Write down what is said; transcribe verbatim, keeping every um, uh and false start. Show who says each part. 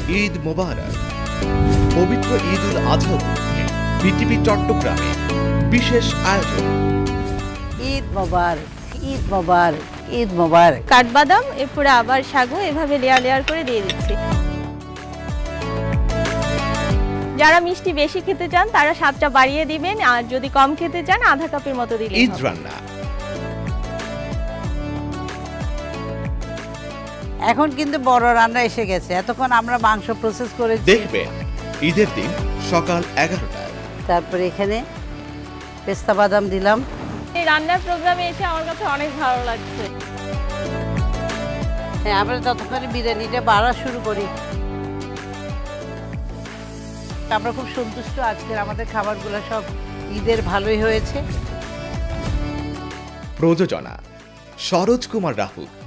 Speaker 1: ঈদ মোবারক। পবিত্র ঈদ উল আজহা উপলক্ষে বিটিভি চট্টগ্রামে বিশেষ আয়োজন।
Speaker 2: ঈদ মোবারক, ঈদ মোবারক, ঈদ মোবারক।
Speaker 3: কাঠবাদাম এরপরে আবার সাগু এভাবে লেয়ার লেয়ার করে দিয়ে দিচ্ছি। যারা মিষ্টি বেশি খেতে চান তারা স্বাদটা বাড়িয়ে দিবেন, আর যদি কম খেতে চান আধা কাপের মতো দিলেই
Speaker 1: ঈদ
Speaker 3: হবে।
Speaker 1: রান্না
Speaker 2: এখন কিন্তু বড় রান্না এসে গেছে। এতক্ষণ আমরা মাংস প্রসেস করেছি।
Speaker 1: দেখবেন ঈদের দিন সকাল এগারোটায়।
Speaker 2: তারপরে এখানে পেস্তা বাদাম দিলাম।
Speaker 3: এই রান্নার প্রোগ্রামে এসে আমার কাছে অনেক ভালো লাগছে।
Speaker 2: হ্যাঁ, আমরা ততক্ষণে বিরিয়ানিটা বাড়া শুরু করি। আমরা খুব সন্তুষ্ট, আজকের আমাদের খাবারগুলো সব ঈদের ভালোই হয়েছে।
Speaker 1: প্রযোজনা সরোজ কুমার রাহুল,